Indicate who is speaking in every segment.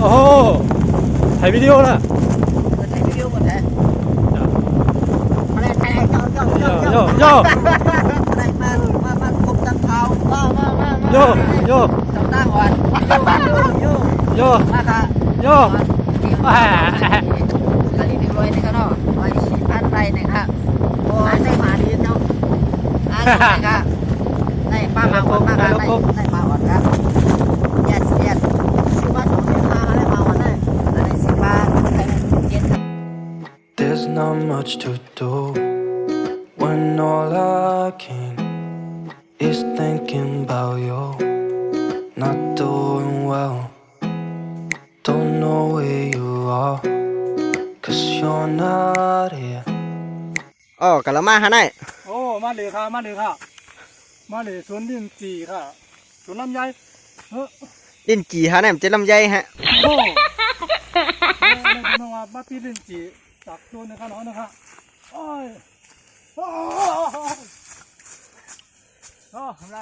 Speaker 1: โหถ่ายวิดีโอละ
Speaker 2: ถ่ายวิดีโอหมดเลยอะไรถ่าย
Speaker 1: โยโย
Speaker 2: อะไรมาคบตั้งเขา
Speaker 1: โยโย
Speaker 2: ตั้งก่อนโยมาค่ะ
Speaker 1: โย
Speaker 2: อันนี้รวยนะครับเนาะไว้4,000ไรนะครับโอ้ได้มาดีเนาะนะครับได้ป้ามาก่อนมาได้มาก่อนครับyes ชื่อว่า2เดือนมาได้มาก่อนได้อันนี้10 บาทได้เย็น
Speaker 3: There's not much to do when all I can is thinking about you. Not doing well, don't know where you are, 'cause you're not here.
Speaker 2: อ๋อกะละมาฮะนาย
Speaker 1: โอ้มาเลยค่ะมาเลยค่ะมาเลยสวนลิ้นจี่ค่ะสวนลำไย
Speaker 2: ลิ้นจี่ฮะนายมันจะลำไยฮะ
Speaker 1: โอ้น้องมาปีลิ้นจี่จากสวนนะครับน้องนะครับโอ้ยโอ้ทำไร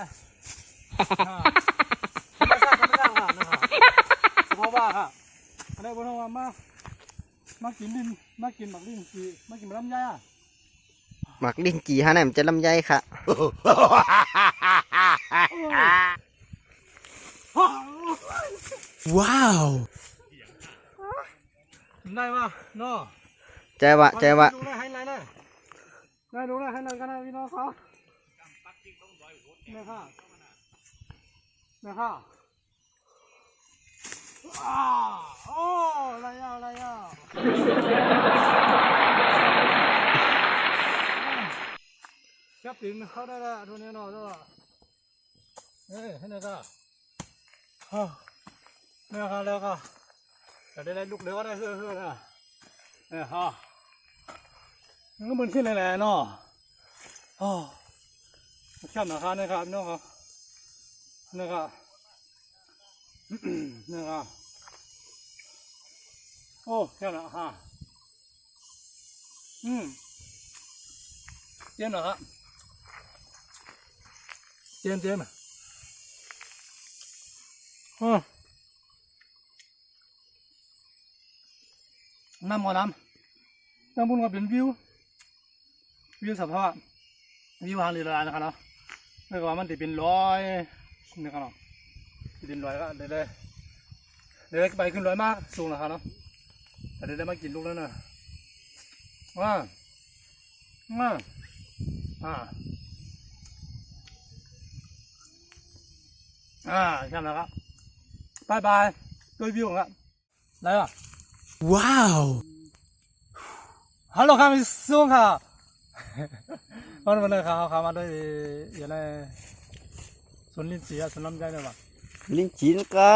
Speaker 1: ไม่ทราบค่ะนะครับเพราะว่าค่ะอะไรบ้างว่ามากินลิ้นมากินหมักลิ้นจี่มากินลำไยอ่ะ
Speaker 2: หมักลิ้นจี่ฮะนายมันจะลำไยค่ะ
Speaker 1: ว้าวได้ป่ะเนาะ
Speaker 2: ใจวะ
Speaker 1: ดูได้ให้ไหนได้ดูได้ให้ไหนกันนะพี่น้องเขาเนี่ยค่ะโอ้อะไรอ่ะจับถึงเขาได้แล้วดูเนี่ยเนาะด้วยให้ไหนกันเนี่ยค่ะแล้วก็แต่ได้ลูกเลี้ยงก็ได้เฮือนะเนี่ยฮะมันก็เหมือนขึ้นเลยแหละเนาะอ๋อแค่นะครับนะครับน้องครับนะครับนะครับโอ้แค่นะฮะเจียมเหรอครับเจียมน้ำบุญก็เป็นวิวสภาพวิวทางเรือนะครับเนาะไม่ว่ามันจะเป็นร้อยนะครับเนาะจะเป็นร้อยก็เดี๋ยวไปขึ้นร้อยมากสูงนะครับเนาะแต่เดี๋ยวได้มากินลูกแล้วนะว้าใช่แล้วครับบายด้วยวิวครับอะไรอ่ะว้าวฮัลโหลครับมิซุงค่ะวันนี้เขามาด้วยอย่างไรสวนลิ้นจี่สวนลำไยเลยป่ะ
Speaker 2: ลิ้นจี่นะก็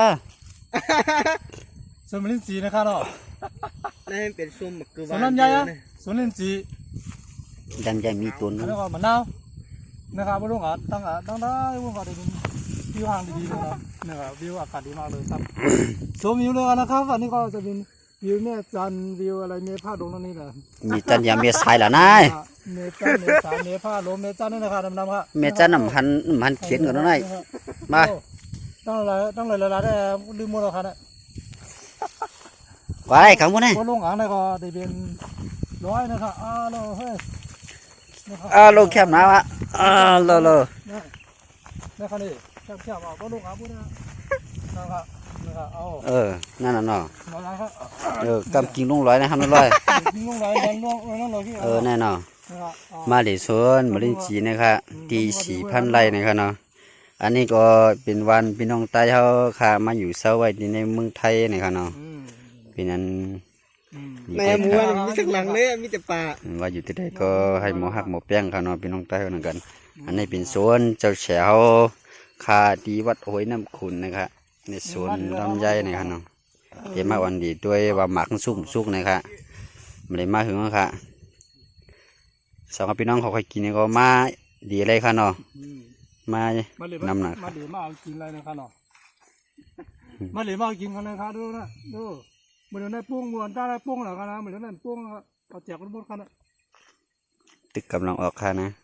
Speaker 1: สวนลิ้นจี่นะครับเนาะ
Speaker 2: นี่เป็นส้มมะเขือ
Speaker 1: สวนลำไยอ่ะสวนลิ้นจี่
Speaker 2: ลำไยมีตุน
Speaker 1: แล้วก็มะนาวนะครับพวกลุงอ่ะตั้งได้พวกเขาได้เป็นวิวทางดีๆนะครับวิวอากาศดีมากเลยครับชมวิวเลยนะครับอันนี้ก็จะเป็นวิวแม่จันวิวอะไรเมฆาลงนั่นนี่แหละ
Speaker 2: มีจันยาเมฆสายละนาย
Speaker 1: เมฆาเมฆาลงเมฆานี่นะครับดำๆครับ
Speaker 2: เมฆาน้ำพันเขียนก่อนนั่นไงมา
Speaker 1: ต้องเลยละได้ลืมหมดแล้วครับเนี่ย
Speaker 2: ว่าอะไรครับพวกนี้
Speaker 1: พวกลุงอ่างนี่ก็ได้เป็นร้อยนะครับเฮ้ย
Speaker 2: ลงแคบหนาวะ
Speaker 1: นี่ครับนี่แคบพวกลุงอ่างพวกนี้นะครับ
Speaker 2: นั่นน่ะเนาะกำกินลุงร้อยนะครับลุงร้อย
Speaker 1: กินลุงร้อย
Speaker 2: แน่นอนมาเลยสวนมาเล่นจีนะครับตี4,000 ไร่นะครับเนาะอันนี้ก็เป็นวันพี่น้องใต้เขาค่ะมาอยู่เซาไว้ในเมืองไทยนะครับเนาะเป็นนั้น
Speaker 4: แม่มัวมีสักหลังเลยมีแต่ป่า
Speaker 2: ว่าอยู่ที่ใดก็ให้หมอหักหมอแป้งเขาเนาะพี่น้องใต้เขาเหมือนกันอันนี้เป็นสวนเจ้าแฉวคาดีวัดห้วยน้ำขุ่นนะครับในสวนลำไยนะครับเนาะเดี๋ยวมาวันดีด้วยว่าหมักสุกนะครับไม่ได้มาถึงนะครับสองพี่น้องเขาเคยกินก็มาดีเลยค่ะเนาะมานำหนัก
Speaker 1: มาดีมากินอะไรนะครับเนาะมาดีมากินกันเลยครับดูเหมือนได้ปุ้งเหมือนได้ปุ้งเหรอครับนะเหมือนได้ปุ้งเอาแจกกันหมดครับนะ
Speaker 2: ตึกกำลังออกค่ะนะ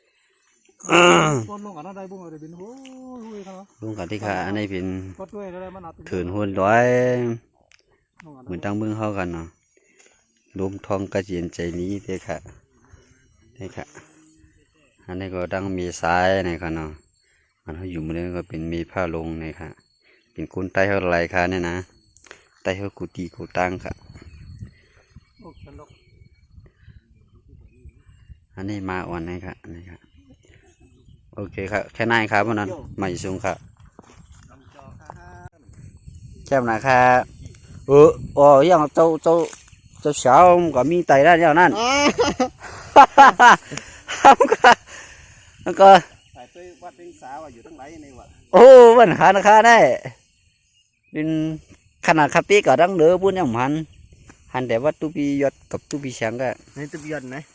Speaker 1: ลงกันได้บุ้งอะไรเป็นหูครับ
Speaker 2: ลุงกันที่ค่ะอันนี้เป็นถืนหุ่นร้อยเหมือนตั้งเมืองเขากันเนาะรวมทองกระเจียนใจนี้เด้อค่ะนี่ค่ะอันนี้ก็ดังมีซ้ายนะครับเนาะมันเขาอยู่มือนี้ก็เป็นมีผ้าลงนี่ค่ะเป็นคนใต้เขาไรค่ะเนี่ยนะใต้เขากุฏิกุตังค่ะอันนี้มาอ่อนนี่ค่ะนี่ค่ะโอเคครับแค่นั้นครับเพราะนั้นไม่สูงครับแค่นั้นครับยังเจ้าสาวก็มีไตได้แล้วนั่นแล้วก็
Speaker 4: สายเต้ยวัดเป็นสาวอยู่ทั้งไรในวัด
Speaker 2: โอ้ปัญหานะคะได้เป็นขนาดคาปีก็ดังเดือบุญยังหันแต่ว่าตุปียอดกับตุปีเฉียงก็
Speaker 4: ในตุบยนต์ไหน